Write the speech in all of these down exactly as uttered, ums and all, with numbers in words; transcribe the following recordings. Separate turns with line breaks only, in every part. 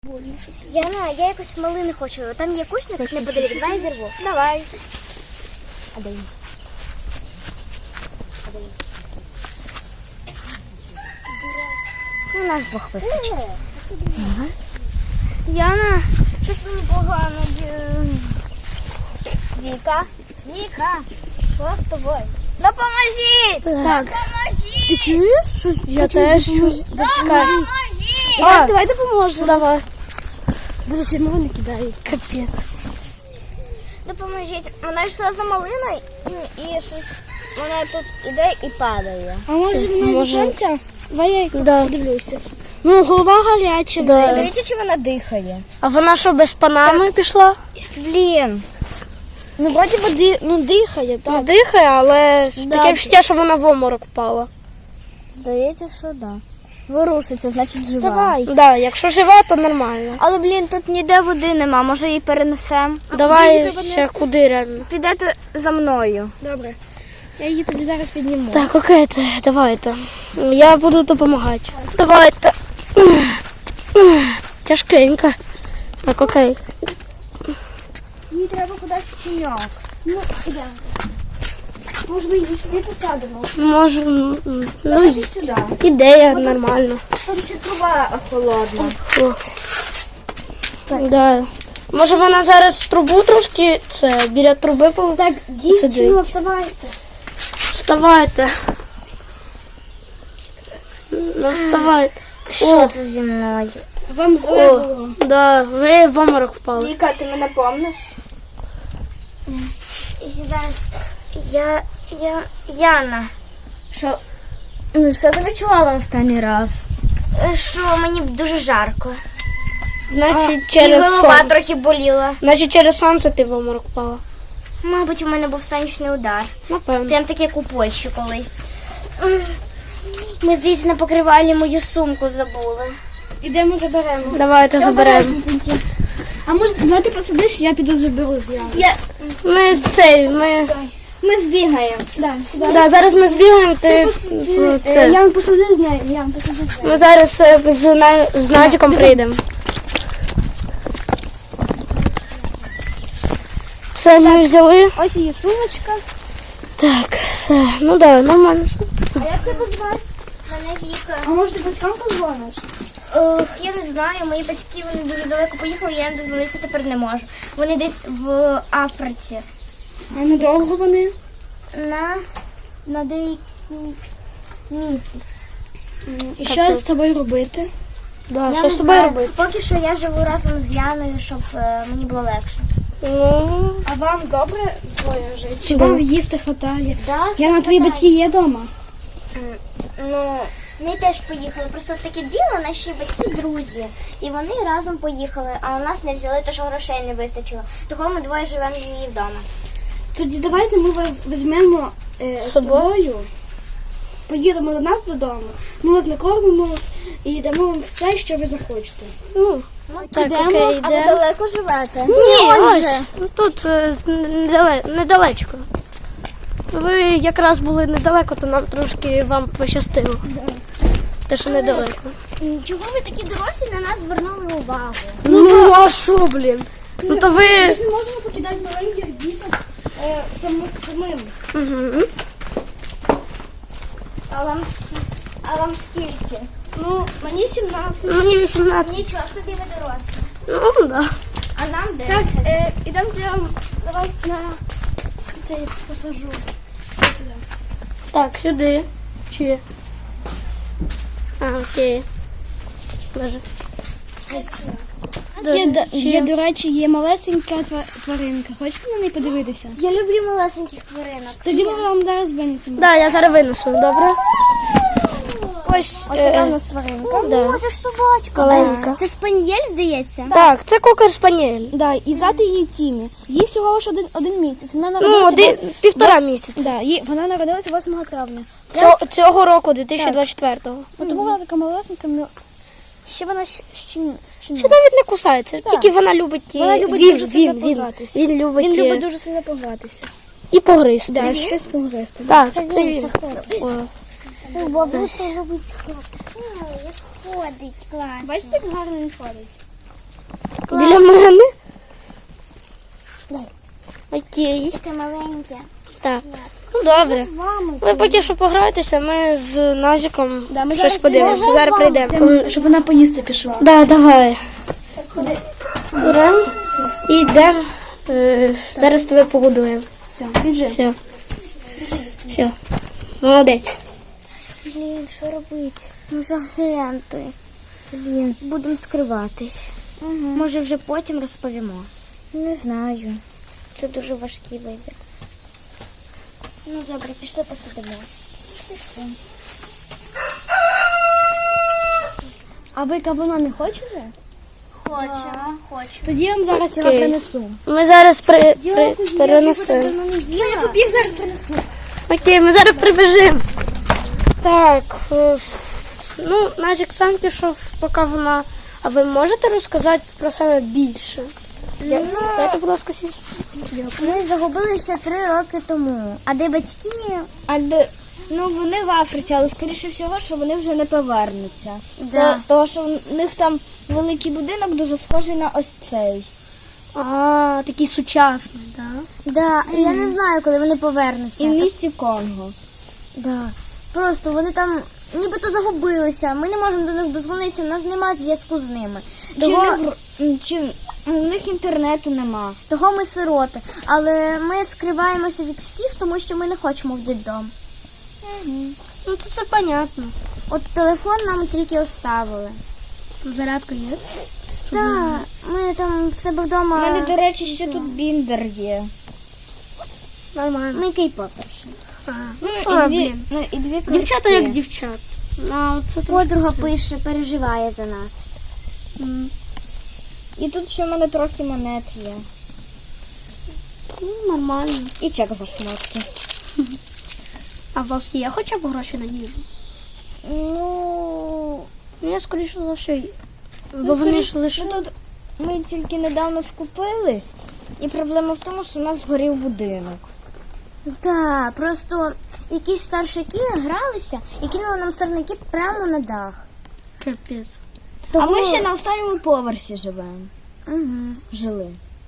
Яна, я якось малини хочу. Там є кущник неподалік, давай зірву. Давай. А де він? А де він? У нас двох вистачить. Ага. Яна, щось мені погано. Віка, Віка, що з тобою? Допоможіть!
Так.
Допоможіть!
Ти чуєш? Щось я теж чую.
Допоможіть!
А, давай допоможемо. Давай. Боже, чому вони кидають? Капець.
Допоможіть. Вона йшла за малиною і, і щось вона тут іде і падає.
А може вона
Може.
зі сонця? Давай я
Да.
подивлюся. Ну, голова гаряча.
Да.
Дивіться, чи вона дихає.
А вона що, без панами пішла?
Блін.
Ну, вроді би ди... ну, дихає, так.
Дихає, але
Да.
таке відчуття, що вона в оморок впала.
Здається, що так. Да. Ворушиться, значить жива.
Вставай.
Да, якщо жива, то нормально.
Але, блін, тут ніде води нема, може її перенесемо.
Давай
її треба
ще
нести?
куди реально.
Підете за мною.
Добре. Я її тобі зараз підніму.
Так, окей, то, давайте. Я буду допомагати. Давайте. Тяжкенько. Так, окей.
Їй треба кудись в тіньок.
Ну, ідемо. Може, ми її сюди посадимо?
Можу. м, Ну,
Давайте сюди.
ідея нормально.
Тут ще труба холодна.
О. Да. Може вона зараз в трубу трошки, це, біля труби по...
Так,
Сиди.
дівчино, вставайте.
Вставайте. Ну, вставайте.
Що це зі мною?
Вам зле
О,
було.
да, ви в оморок впали.
Віка, ти мене помниш? Зараз я, я, Яна. Що? Ну, що ти відчувала останній раз? Що мені дуже жарко.
Значить,
І
через
голова
сонце.
трохи боліла.
Значить, через сонце ти в оморок впала.
Мабуть, у мене був сонячний удар.
Напевно.
Прям таке як у Польщі колись. Ми, здається, на покривалі мою сумку забули.
Ідемо заберемо.
Давайте заберемо.
А може, давай ти посидиш, я піду заберу з Яни.
Я...
Ми цей, ми...
Ми збігаємо.
Да, сюди.
Да, зараз ми збігаємо, ти... ну, це.
Я посади з нею, я посади з нею.
Ми зараз е, з, на... з Назіком прийдемо. Все, ми взяли.
Ось її сумочка.
Так, все. Ну да, нормально.
А як тебе звати?
Мене Віка.
А може ти батькам позвониш?
Ох, я не знаю, мої батьки, вони дуже далеко поїхали, я їм дозвонитися тепер не можу. Вони десь в Африці.
А недовго вони?
На, на деякий місяць.
І що з тобою робити?
Да,
Я
що
не
з тобою
знаю.
робити?
Поки що я живу разом з Яною, щоб е, мені було легше.
Ну,
А вам добре двоє жити? Чи
Да.
вам їсти хватає?
Да,
Я на твої батьки є вдома.
Ну, вони теж поїхали. Просто таке діло, наші батьки друзі. І вони разом поїхали, а у нас не взяли, тому що грошей не вистачило. Того ми двоє живемо її вдома.
Тоді давайте ми вас візьмемо е, з
собою?
собою. Поїдемо до нас додому. Ми вас накормимо і дамо вам все, що ви захочете.
ну. Так,
Ідемо?
окей,
А ви
йдемо.
далеко живете?
Ні, ось, ну, тут е, недале, недалечко. Ви якраз були недалеко, то нам трошки вам пощастило. Те, що недалеко.
Чого ви такі дорослі на нас звернули увагу?
Ну, а що, блін? Ну, то
Ми
ви...
ж не можемо покидати маленьких діток е, сам, самим.
Угу.
А вам, ск- а вам скільки?
Ну, мені сімнадцять.
Мені вісімнадцять.
Нічого собі ви дорослі.
Ну, да.
А нам
Так,
десять.
е, ідемо я на вас на цей посажу. Ось сюди.
Так, сюди. Чи? А, окей. Боже.
Є, до- є, до речі, є малесенька тва- тваринка. Хочете на неї подивитися?
Я люблю малесеньких тваринок.
Тоді ми вам зараз винесемо.
Да, я зараз винесу, добре? Ось,
Ось така
е,
у нас тваринка.
О,
да.
це ж собачка.
Маленька.
Це спанієль, здається?
так, це кокер-спаніель.
Да, і звати її Тімі. Їй всього лише один, один місяць. Вона
Ну,
народилася
один,
вос-
півтора
вос-
місяця.
Да, їй, вона народилася восьмого травня.
Цього, цього року, дві тисячі двадцять четвертого.
От тому вона така малесенька. ну, Ще вона щ- щін- щінна.
Ще навіть не кусається, тільки вона любить, і-
Вона любить
він,
дуже
він,
сильно
він,
погратися.
він любить,
Він
і-
любить дуже сильно погратися.
і погризти.
Да, щось погризти.
Так, це він. О.
Бабуся любить хлопців. Як ходить, класно.
Бачите, як гарно він ходить?
Біля мене? Окей.
Таке маленьке.
Так. Ну добре.
З вами.
Ви поки що пограйтеся, ми з Назіком
Да, ми
щось
зараз
подивимося.
прийдемо.
Зараз прийдемо.
Щоб вона поїсти пішла.
Да, давай. Беремо і йдемо. Е, зараз тебе погодуємо.
Все, біжи.
Все. Все. Молодець.
Блін, що робити? Ми ж агенти. Блін, будемо скриватись. Угу. Може вже потім розповімо. Не знаю. Це дуже важкий вибір. Ну добре, пішли посидимо. Пішли.
А ви кавуна не хочете?
Хочемо, хочу.
Тоді я вам зараз його
Окей.
принесу.
Ми зараз при, при, перенесемо.
Давно не їла.
Я зараз принесу.
Окей, ми зараз прибіжимо. Так. е, Ну, Назік сам пішов, поки вона. А ви можете розказати про себе більше? Я- Дайте, будь ласка, сість.
Ми загубили ще три роки тому. А де батьки?
А де, ну вони в Африці, але скоріше всього, що вони вже не повернуться.
Да.
То- Тому що в них там великий будинок дуже схожий на ось цей.
А, такий сучасний, так?
Да, і я не знаю, коли вони
І
повернуться.
в місті Конго.
Да. Просто вони там нібито загубилися. Ми не можемо до них дозвонитися, у нас немає зв'язку з ними.
Чи,
Того,
в них, м, чи в них інтернету нема.
того ми сироти. Але ми скриваємося від всіх, тому що ми не хочемо в дитдом.
Ну, це, це понятно.
От телефон нам тільки оставили.
Зарядка є?
Так, ми там в себе
У
вдома.
мене, до речі, ще тут біндер є.
Нормально.
Ми кейпоперші.
А, ну,
І
то,
дві,
блін.
ну, і дві
Дівчата
картки.
як дівчат. Ну, це трошки
Подруга
це.
пише, переживає за нас.
М,
І тут ще в мене трохи монет є.
Ну, нормально.
І чек за шмотки.
А у вас є хоча б гроші на їжу?
Ну,
Ну, я скоріше за все. є. Бо вони ж лише.
ну, тут ми тільки недавно скупились, і проблема в тому, що у нас згорів будинок.
Так, просто якісь старшаки гралися і кинули нам сорняки прямо на дах.
Капець.
Того...
А ми ще на останньому поверсі живемо.
Угу.
Жили.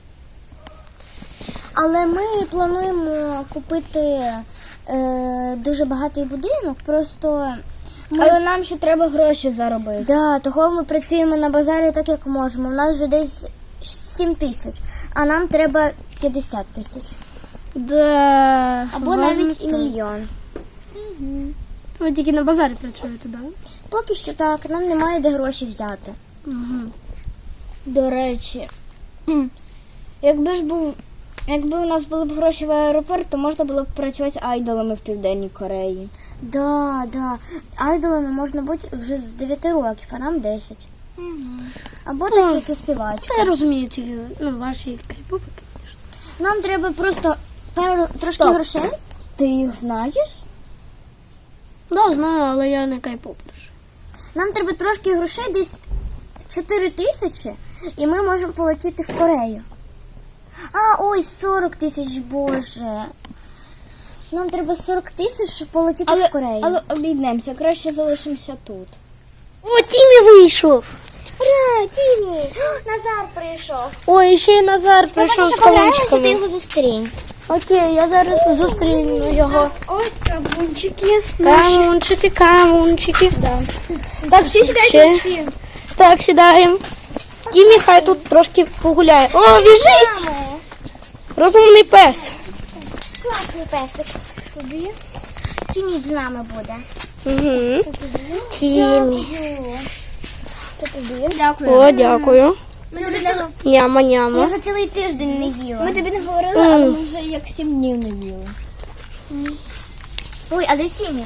Але ми плануємо купити е, дуже багатий будинок, просто ми...
Але нам ще треба гроші заробити.
Да, того ми працюємо на базарі так, як можемо. У нас вже десь сім тисяч, а нам треба п'ятдесят тисяч.
Да.
Або
важно
навіть і
так.
мільйон.
Ви тільки на базарі працюєте, так?
Поки що так, нам немає де гроші взяти.
Угу.
До речі, м, якби ж був, якби у нас були б гроші в аеропорт, то можна було б працювати айдолами в Південній Кореї.
Да, да. Айдолами можна бути вже з дев'яти років, а нам десять. Або так, як і співачка.
Я розумію ці, ну, ваші кейпопи.
Нам треба просто пару, трошки
Стоп.
грошей.
Ти їх знаєш?
Да, знаю, але я не кейпоперш.
Нам треба трошки грошей, десь чотири тисячі, і ми можемо полетіти в Корею. А, ой, сорок тисяч, боже. Нам треба сорок тисяч, щоб полетіти
Але,
в Корею.
але обійдемося, краще залишимося тут.
О, Тімі вийшов!
Ура, Тімі! Назар прийшов.
Ой, ще й Назар прийшов з
Ти
кавунчиками.
його зустрінь.
Окей, я зараз зустріну його.
Ось кавунчики.
Камунчики, камунчики. Да.
Так, всі сідайте
Ще.
всі.
Так, сідаємо. Тімі хай тут трошки погуляє. О, біжить! Розумний пес.
Класний песик. Тобі? Тімі з нами буде.
Угу.
Це тобі?
Тімі.
Це тобі.
Дякую.
О, дякую.
Ми вже, ціл-
Няма,
я
няма.
вже цілий тиждень не їла.
Ми тобі не говорили, але ми вже як сім днів не їли.
Ой, а де Тімі?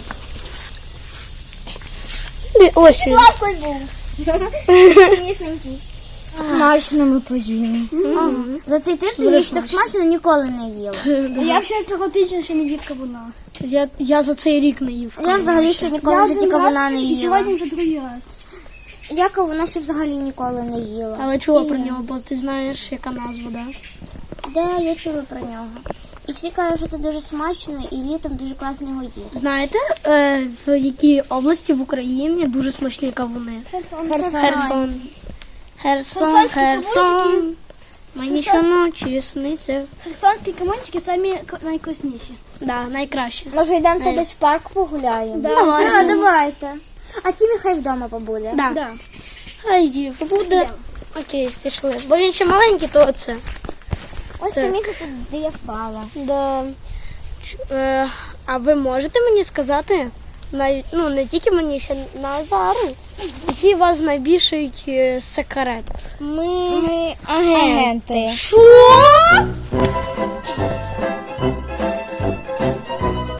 Ди- Ось він.
Лапкою був. Смішненький.
Смачно ми поїли.
Ага. За цей тиждень я ще так смачно ніколи не їла.
Я вже цього тижня ще не їв кавуна.
Я, я за цей рік не їв.
Я взагалі ще ніколи в житті кавуна не
І
їла.
сьогодні вже другий раз.
Я кавуна ще взагалі ніколи не їла.
Але чула про нього, бо ти знаєш, яка назва, да?
Да, я чула про нього. І всі кажуть, що це дуже смачно і літом дуже класно його їсти.
Знаєте, е, в якій області в Україні дуже смачні кавуни?
Херсон.
Херсон. Херсон,
Херсонські
Херсон. Мені
Херсон-
щоночі сниться.
Херсонські камончики самі к- найвкусніші.
Да, найкраще.
Може йдемо
Е.
десь в парк погуляємо?
Давайте.
А, давайте. А ті хай вдома побуде.
Да.
Да.
Хайді, буде. Окей, пішли. Бо він ще маленький, то це.
Ось
Так.
це місце тут, де я впала.
Да. Ч- е, а ви можете мені сказати, най, ну не тільки мені, ще Назару, який ваш найбільший е, секрет?
Ми агенти.
Що?